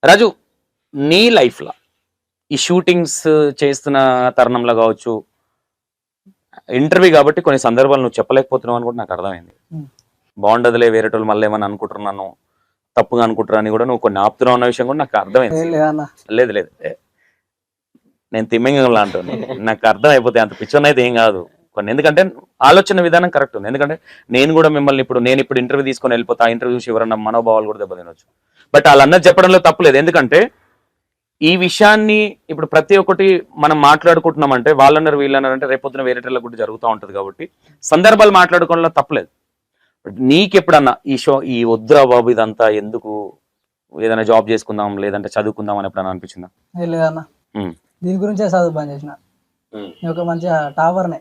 రాజు, నీ లైఫ్లో ఈ షూటింగ్స్ చేస్తున్న తరుణంలో కావచ్చు, ఇంటర్వ్యూ కాబట్టి కొన్ని సందర్భాలు నువ్వు చెప్పలేకపోతున్నావు అని కూడా నాకు అర్థమైంది. బాగుండదులే, వేరేటోళ్ళు మళ్ళీ ఏమని అనుకుంటున్నాను, తప్పుగా అనుకుంటారు అని కూడా నువ్వు కొన్ని ఆపుతున్నావు అన్న విషయం కూడా నాకు అర్థమైంది. లేదు లేదు, నేను తిమ్మింగంలా అంటాను, నాకు అర్థం అయిపోతాయి, అంత పిచ్చర్ అయితే ఏం కాదు కొన్ని. ఎందుకంటే ఆలోచన విధానం కరెక్ట్ ఉంది. ఎందుకంటే నేను కూడా మిమ్మల్ని ఇప్పుడు ఇంటర్వ్యూ తీసుకొని వెళ్ళిపోతా, ఇంటర్వ్యూ చూసి ఎవరన్నా మనోభావాలు కూడా దెబ్బతినొచ్చు. బట్ వాళ్ళన్నది చెప్పడంలో తప్పులేదు. ఎందుకంటే ఈ విషయాన్ని ఇప్పుడు ప్రతి ఒక్కటి మనం మాట్లాడుకుంటున్నామంటే వాళ్ళన్నారు వీళ్ళన్నారు అంటే రేపొద్దున వేరేటోళ్ళ కూడా జరుగుతూ ఉంటుంది. కాబట్టి సందర్భాలు మాట్లాడుకోవడంలో తప్పలేదు. నీకు ఎప్పుడన్నా ఈ వద్దురా బాబు ఇదంతా ఎందుకు, ఏదైనా జాబ్ చేసుకుందాం లేదంటే చదువుకుందాం అని ఎప్పుడన్నా అనిపించిందా? లేదన్నా, దీని గురించే చదువు పని చేసిన. నేను ఒక మంచి టాపర్నే.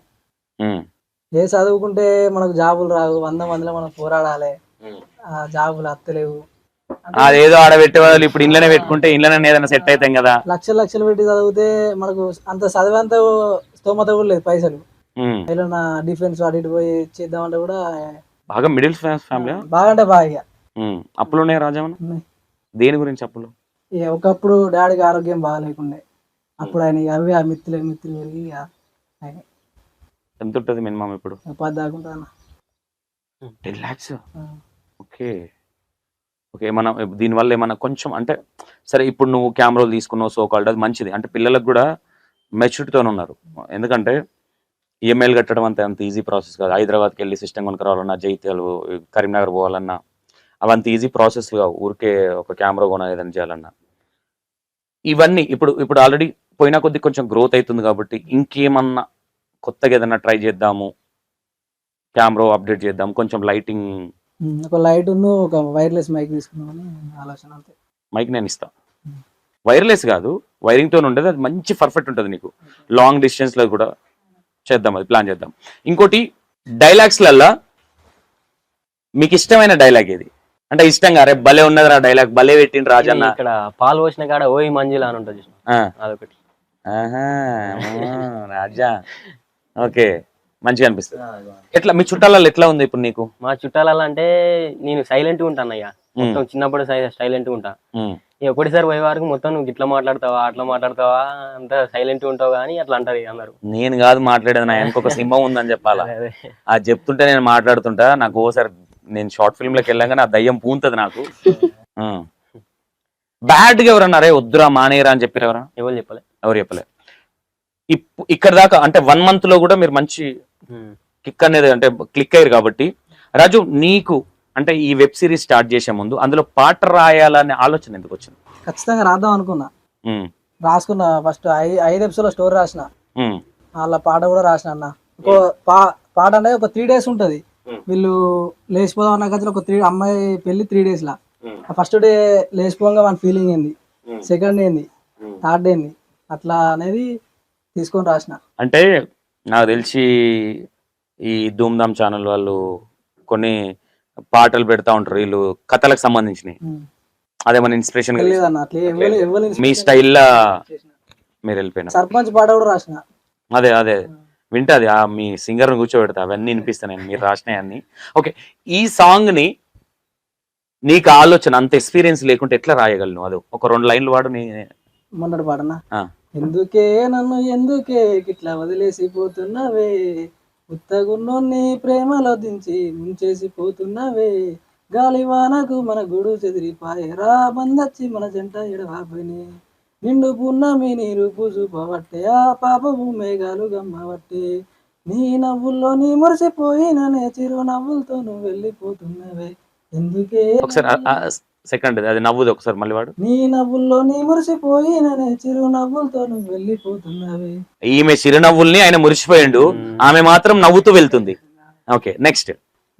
ఏ చదువుకుంటే మనకు జాబులు రావు, 100 మందిలో మనం పోరాడాలి, జాబులు అత్తలేవు. అదేదో ఆడ పెట్టే వాళ్ళు ఇప్పుడు ఇంట్లోనే పెట్టుకుంటే ఇంట్లోనే ఏదైనా సెట్ అవుతాం కదా. లక్షలు పెట్టి చదివితే మనకు అంత చదివేంత స్తోమత కూడా లేదు. పైసలు ఏదైనా డిఫెన్స్ అటు ఇటు పోయి చేద్దామంటే కూడా బాగా మిడిల్ క్లాస్ ఫ్యామిలీ, బాగా అంటే బాగా అప్పులు ఉన్నాయి రాజమన్న. దేని గురించి అప్పులు? ఒకప్పుడు డాడీకి ఆరోగ్యం బాగా లేకుండే, అప్పుడు ఆయన అవి ఆ మిత్తులు పెరిగి ఆయన ఎంత ఉంటుంది మినిమం ఇప్పుడు? 10 దాకా ఉంటుంది. 10 lakhs. Okay okay. మనం దీనివల్ల ఏమన్నా కొంచెం అంటే సరే, ఇప్పుడు నువ్వు కెమెరాలు తీసుకున్నావు సో కాల్డ్, అది మంచిది. అంటే పిల్లలకు కూడా మెచ్యూరిటీతో ఉన్నారు. ఎందుకంటే ఈఎంఐలు కట్టడం అంత ఈజీ ప్రాసెస్ కాదు. హైదరాబాద్కి వెళ్ళి సిస్టమ్ కొనుక్కు రావాలన్నా, జైత్యాలు కరీంనగర్ పోవాలన్నా అవంత ఈజీ ప్రాసెస్ కావు. ఊరికే ఒక కెమెరా కొన ఏదైనా చేయాలన్నా ఇవన్నీ ఇప్పుడు ఆల్రెడీ పోయినా కొద్ది కొంచెం గ్రోత్ అవుతుంది. కాబట్టి ఇంకేమన్నా కొత్తగా ఏదైనా ట్రై చేద్దాము, కెమెరా అప్డేట్ చేద్దాం, కొంచెం లైటింగ్, ఒక లైట్ ఒక వైర్లెస్ మైక్ తీసుకున్నామని ఆలోచన. అంతే. మైక్ నేను ఇస్తా, వైర్లెస్ కాదు వైరింగ్తో ఉండేది, అది మంచి పర్ఫెక్ట్ ఉంటుంది నీకు. లాంగ్ డిస్టెన్స్లో కూడా చేద్దాం, అది ప్లాన్ చేద్దాం. ఇంకోటి డైలాగ్స్లల్లా మీకు ఇష్టమైన డైలాగ్ ఏది? అంటే ఇష్టంగా అరే భలే ఉన్నది రా డైలాగ్, భలే పెట్టిండు రాజన్న. ఇక్కడ పాలు పోసిన కాడ ఓయి మంజుల అని ఉంటుంది, అదొకటి. రాజా ఓకే, మంచిగా అనిపిస్తుంది. ఎట్లా మీ చుట్టాలలో ఎట్లా ఉంది ఇప్పుడు నీకు? మా చుట్టాలలో అంటే నేను సైలెంట్ గా ఉంటాను అయ్యా, మొత్తం చిన్నప్పుడు సైలెంట్ గా ఉంటా. ఒకటిసారి పోయే వరకు మొత్తం నువ్వు ఇట్లా మాట్లాడతావా అట్లా మాట్లాడతావా అంత సైలెంట్ ఉంటావు కానీ అట్లా అంటారు అందరు. నేను కాదు మాట్లాడేది, నా ఇంకొక సింహం ఉందని చెప్పాలా. అది చెప్తుంటే నేను మాట్లాడుతుంటా. నాకు ఓసారి నేను షార్ట్ ఫిల్మ్ లోకి వెళ్ళాక నా దయ్యం పూంతది నాకు. బ్యాడ్ గా ఎవరన్నా అరే వద్దురా మానేయరా అని చెప్పారు? ఎవరు చెప్పలే, ఎవరు చెప్పలే. ఇక్కడ దాకా అంటే 1 month లో కూడా మీరు మంచి కిక్ అనేది అంటే క్లిక్ అయ్యారు. కాబట్టి రాజు, నీకు అంటే ఈ వెబ్ సిరీస్ స్టార్ట్ చేసే ముందు అందులో పాట రాయాలనే ఆలోచన ఎందుకు వచ్చింది? ఖచ్చితంగా రాద్దాం అనుకున్నా, రాసుకున్నా. ఫస్ట్ 5 ఎపిసోడ్ల స్టోరీ రాసిన, వాళ్ళ పాట కూడా రాసిన అన్న. పాట అనేది ఒక 3 days ఉంటది. వీళ్ళు లేచిపోదాం అన్న కదా, ఒక అమ్మాయి పెళ్లి 3 days లా. ఫస్ట్ డే లేచిపోగా మన ఫీలింగ్ ఏంది, సెకండ్ ఏంది, థర్డ్ ఏంది, అట్లా అనేది తీసుకొని రాసిన. అంటే నాకు తెలిసి ఈ ధూమ్ధామ్ ఛానల్ వాళ్ళు కొన్ని పాటలు పెడతా ఉంటారు, వీళ్ళు కథలకు సంబంధించినవి. అదేమన్నా ఇన్స్పిరేషన్ మీ స్టైల్లో మీరు వెళ్ళిపోయినా? సర్పంచ్ పాట కూడా రాసిన. అదే అదే వింటది, మీ సింగర్ని కూర్చోబెడతా, అవన్నీ వినిపిస్తాను నేను మీరు రాసినవన్నీ. ఓకే, ఈ సాంగ్ ని నీకు ఆలోచన అంత ఎక్స్పీరియన్స్ లేకుంటే ఎట్లా రాయగలను? అది ఒక 2 lines వాడు. మొన్నటి పాటనా, ఎందుకే నన్ను ఎందుకే ఇట్లా వదిలేసిపోతున్నావే, ఉత్తగున్నోన్ని ప్రేమలో దించి ముంచేసిపోతున్నావే, గాలివానకు మన గూడు చెదిరిపాయరా, బందచ్చి మన జంట ఎడవాబని, నిండు పున్నమి నీరు పూసుపవట్టే, ఆ పాపము మేఘాలు గమ్మవట్టే, నీ నవ్వుల్లో నీ మురిసిపోయిననే చిరు నవ్వులతో నువ్వు వెళ్ళిపోతున్నావే, ఎందుకే సెకండ్ అది నవ్వుది ఒకసారి మళ్ళీ వాడు, నీ నవ్వుల్లో నీ మురిసిపోయిననే చిరు నవ్వులతో నువ్వు వెళ్ళిపోతున్నావే. ఈమె చిరునవ్వుల్ని ఆయన మురిసిపోయిండు, ఆమె మాత్రం నవ్వుతూ వెళ్తుంది. ఓకే, నెక్స్ట్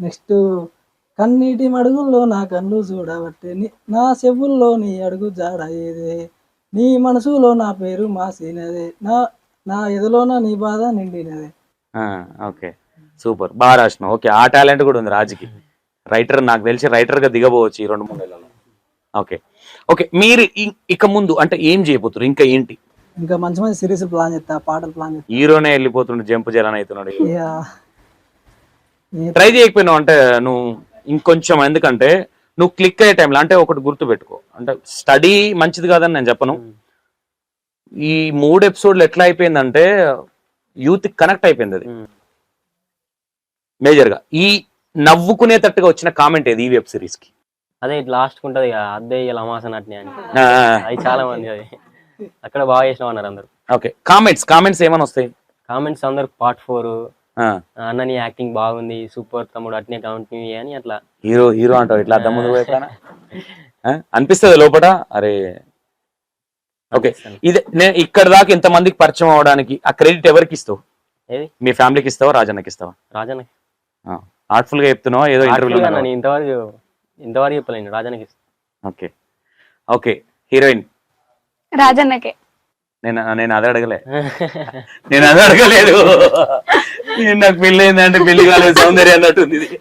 కన్నీటి మడుగుల్లో నా కన్ను చూడబట్టే, నా చెవుల్లో నీ అడుగు జాడ ఏదే, నీ మనసులో నా పేరు మాసినదే, నా ఎదులోన నీ బాధ నిండినదే. ఓకే, సూపర్, బాగా రాసినావు. ఓకే, ఆ టాలెంట్ కూడా ఉంది రాజుకి. రైటర్, నాకు తెలిసి రైటర్ గా దిగబోవచ్చు ఈ 2-3 నెలల్లో. ఓకే ఓకే, మీరు ఇక ముందు అంటే ఏం చేయబోతున్నారు? ఇంకా ఏంటి? ఇంకా మంచి మంచి సిరీస్ ప్లాన్ చేస్తా, పాటలు ప్లాన్ చేస్తా. హీరోనే వెళ్ళిపోతుండే, జంప్ జలాన్ అవుతున్నాడు. ట్రై చేయకపోయినావు అంటే నువ్వు ఇంకొంచెం? ఎందుకంటే నువ్వు క్లిక్ అయ్యే టైంలో అంటే ఒకటి గుర్తు పెట్టుకో, అంటే స్టడీ మంచిది కాదని నేను చెప్పను. ఈ 3 ఎపిసోడ్లు ఎట్లా అయిపోయిందంటే యూత్ కనెక్ట్ అయిపోయింది అది మేజర్ గా. ఈ నవ్వుకునేటట్టుగా వచ్చిన కామెంట్ ఏది ఈ వెబ్ సిరీస్ కి? అదే లాస్ట్ ఉంటది కదా, అదే ఇలా అమాసన అట్నే అని, అది చాలా మంది అది అక్కడ బాగా చేసినాం అన్నారు అందరు. ఓకే, కామెంట్స్ ఏమని వస్తాయి? కామెంట్స్ అందరు పార్ట్ 4 అన్న నీ యాక్టింగ్ బాగుంది, సూపర్ తమ్ముడు, అట్నే కంటిన్యూ అని అట్లా. హీరో అంటావు ఇట్లా అద్దం ముందు పోయినా అనిపిస్తుంది లోపల. అరే ఓకే, ఇదే నేను ఇక్కడ దాకా ఇంతమందికి పరిచయం అవడానికి ఆ క్రెడిట్ ఎవరికి ఇస్తావు? ఏది మీ ఫ్యామిలీకి ఇస్తావా, రాజన్నకి ఇస్తావా? రాజన్న ఆర్ట్ఫుల్ గా చెప్తున్నావా ఏదో ఇంటర్వ్యూలో? ఇంతవరకు చెప్పలేను, రాజన్నకి. ఓకే ఓకే, హీరోయిన్ రాజన్నకే. నేను అదే అడగలే, నేను అదే అడగలేదు. నాకు పెళ్లి అయిందంటే పెళ్లి కాలేదు సౌందర్య అన్నట్టుంది ఇది.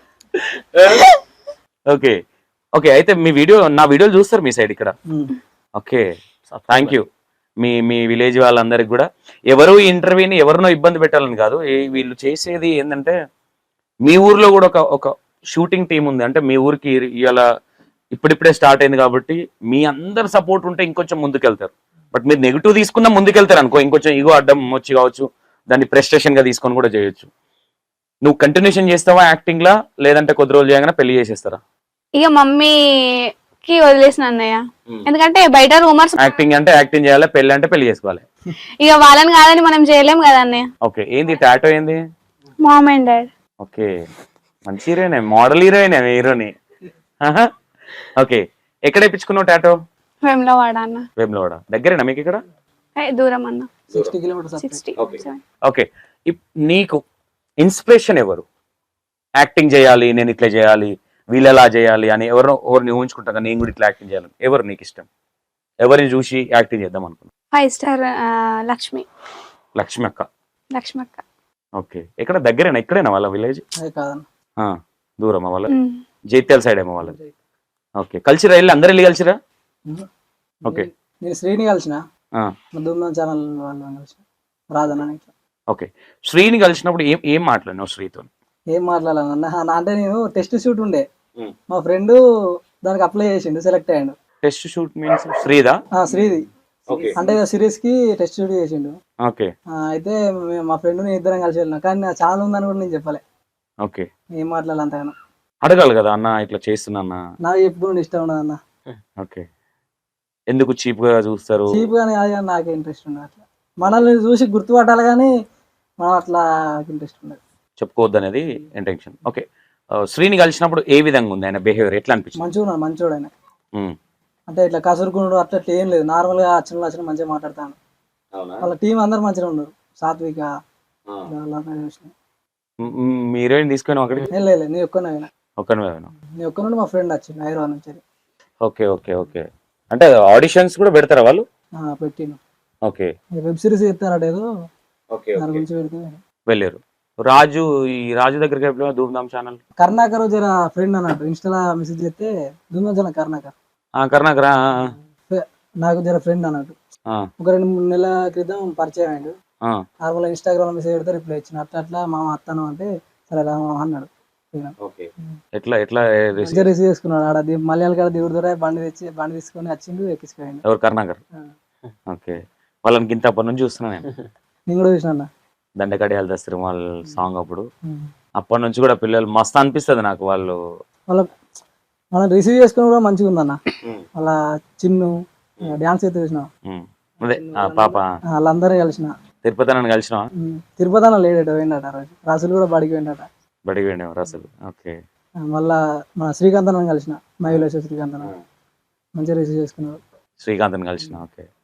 ఓకే ఓకే, అయితే నా వీడియోలు చూస్తారు మీ సైడ్ ఇక్కడ? Okay, thank you. మీ విలేజ్ వాళ్ళందరికి కూడా, ఎవరు ఈ ఇంటర్వ్యూని ఎవరినో ఇబ్బంది పెట్టాలని కాదు, వీళ్ళు చేసేది ఏంటంటే మీ ఊర్లో కూడా ఒక షూటింగ్ టీం ఉంది. అంటే మీ ఊరికి ఇవాళ ఇప్పుడిప్పుడే స్టార్ట్ అయింది కాబట్టి మీ అందరు సపోర్ట్ ఉంటే ఇంకొంచెం ముందుకెళ్తారు. బట్ మీరు నెగిటివ్ తీసుకున్నా ముందుకెళ్తారు అనుకో, ఇంకొంచెం ఈగో అడ్డం వచ్చి కావచ్చు, దాన్ని ప్రెస్టేషన్ గా తీసుకొని కూడా చేయొచ్చు. నువ్వు కంటిన్యూషన్ చేస్తావా యాక్టింగ్ లా, లేదంటే కొద్ది రోజులు చేయగానే పెళ్లి చేసేస్తారా? ఇక మమ్మీకి వదిలేసిన అన్నయ్య, ఎందుకంటే బయట రూమర్స్. యాక్టింగ్ అంటే యాక్టింగ్ చేయాలి, పెళ్లి అంటే పెళ్లి చేసుకోవాలి. ఇక వాళ్ళని కాదని మనం చేయలేం కదా అన్నయ్య. ఓకే, ఏంది టాటో ఏంది? Mom and dad. ఓకే, మంచి హీరోయిన్, మోడల్ హీరోని. ఓకే, ఎక్కడ ఇప్పించుకున్నావు టాటో? వేములవాడ అన్న. వేములవాడ దగ్గరేనా మీకు ఇక్కడ? దూరం అన్న, 60 కిలోమీటర్స్. 60. ఓకే, నీకు ఇన్స్పిరేషన్ ఎవరు? యాక్టింగ్ చేయాలి, నేను ఇట్లా చేయాలి, వీళ్ళెలా చేయాలి అని ఎవరిని ఊహించుకుంటా, నేను కూడా ఇట్లా యాక్టింగ్ చేయాలి, ఎవరు నీకు ఇష్టం? ఎవరిని చూసి యాక్టింగ్ చేద్దాం అనుకున్నా? 5 స్టార్ లక్ష్మి అక్క. లక్ష్మి అక్క. ఓకే, ఎక్కడ దగ్గరేనా? ఇక్కడేనా వాళ్ళ విలేజ్? అదే కాదన్న, దూరమా వాళ్ళ? జైత్యాల సైడ్ ఏమో వాళ్ళది. ఓకే, కలిసిరా? అందరు వెళ్ళి కలిసిరా? ఓకే, నేను శ్రీని కలిసిన, ధూమ్ధామ్ ఛానల్ వాళ్ళని కలిసిన, రాజన్న ఇట్లా. ఓకే, శ్రీని కలిసినప్పుడు ఏం మాట్లాడినావు శ్రీతో? ఏం మాట్లాడాలన్న అంటే నేను టెస్ట్ షూట్ ఉండే, మా ఫ్రెండ్ దానికి అప్లై చేసిండు, సెలెక్ట్ అయ్యాడు. టెస్ట్ షూట్ మీన్స్ శ్రీదా? శ్రీది, అంటే సిరీస్ కి టెస్ట్ షూట్ చేసిండు. ఓకే, అయితే మా ఫ్రెండ్ నేను ఇద్దరం కలిసి వెళ్ళినా, కానీ నా ఛానల్ ఉందని కూడా నేను చెప్పలే. ఓకే, ఏం మాట్లాడాలి అంతగానో? అడగాలి కదా అన్న, ఇట్లా చేస్తున్నా అన్న. నాకు ఎప్పుడు ఇష్టం ఉండదు అన్న. ఓకే, ఎందుకు చీప్ గా చూస్తారు? చీప్ గానే నాకే ఇంట్రెస్ట్ ఉండదు అట్లా, మనల్ని చూసి గుర్తుపట్టాలి కానీ మనం అట్లా ఇంట్రెస్ట్ ఉండదు, చెప్పుకోవద్దు అనేది ఇంటెన్షన్. ఓకే, శ్రీని కలిసినప్పుడు ఏ విధంగా ఉంది ఆయన బిహేవియర్, ఎట్లా అనిపించింది? మంచిగా ఉన్నాడు, మంచోడు ఆయన. అంటే ఇట్లా కసురుకున్నాడు అట్లా ఏం లేదు, నార్మల్ గా అచ్చిన మంచిగా మాట్లాడతాను. వాళ్ళ టీం అందరు మంచిగా ఉన్నారు, సాత్విక మీ హీరోయిన్ తీసుకుని అక్కడికి? లేదు, నేను ఒక్కనే నేను ఒక్కనుండి మా ఫ్రెండ్ వచ్చింది హైదరాబాద్ నుంచి. ఓకే ఓకే ఓకే, అంటే ఆడిషన్స్ కూడా పెడతారా వాళ్ళు? పెట్టిను. ఓకే, వెబ్ సిరీస్ చెప్తారట ఏదో, దాని గురించి పెడితే వెళ్ళారు. ఈ రాజు దగ్గరికి ఎప్పుడు? ధూమ్ధామ్ ఛానల్ కర్ణాకర్ జర ఫ్రెండ్ అన్నట్టు, ఇన్స్టాలో మెసేజ్ చేస్తే ధూమ్ధామ్ ఛానల్ కర్ణాకర్ నాకు జర ఫ్రెండ్ అన్నట్టు. ఒక 2-3 నెలల క్రితం పరిచయం అయ్యాడు, నార్మల్ ఇన్స్టాగ్రామ్ మెసేజ్ పెడితే రిప్లై ఇచ్చిన, అట్లా మా అత్తను అంటే సరే రా అన్నాడు. రిసీవ్ చేసుకున్నాడు ఆడ మలయాళ కాడ దేవుడి ద్వారా బండి తీసుకొని వచ్చిండు, ఎక్కించుకోండి. ఎవరు? కర్ణాకర్. ఓకే, వాళ్ళకి ఇంత అప్పటి నుంచి చూస్తున్నా నేను కూడా చూసిన దండకడియాలు దస్తారు వాళ్ళ సాంగ్ అప్పుడు, అప్పటి నుంచి కూడా పిల్లలు మస్తు అనిపిస్తుంది నాకు. మనం రిసీవ్ చేసుకుని కూడా మంచిగా ఉందన్న. వాళ్ళ చిన్ను డాన్స్ అయితే చూసిన, అదే పాప వాళ్ళందరూ కలిసిన. తిరుపతి నన్ను కలిసిన? తిరుపతి అన్న లేడట, పోయిందట రోజు. రాసులు కూడా బడికి పోయిందట. బడికి పోయినావు రాసులు? ఓకే, మళ్ళా మన శ్రీకాంత్ అన్న కలిసిన, మైలేశ్వర శ్రీకాంత్ అన్న మంచిగా రిసీవ్ చేసుకున్నాడు. శ్రీకాంత్ కలిసిన? ఓకే,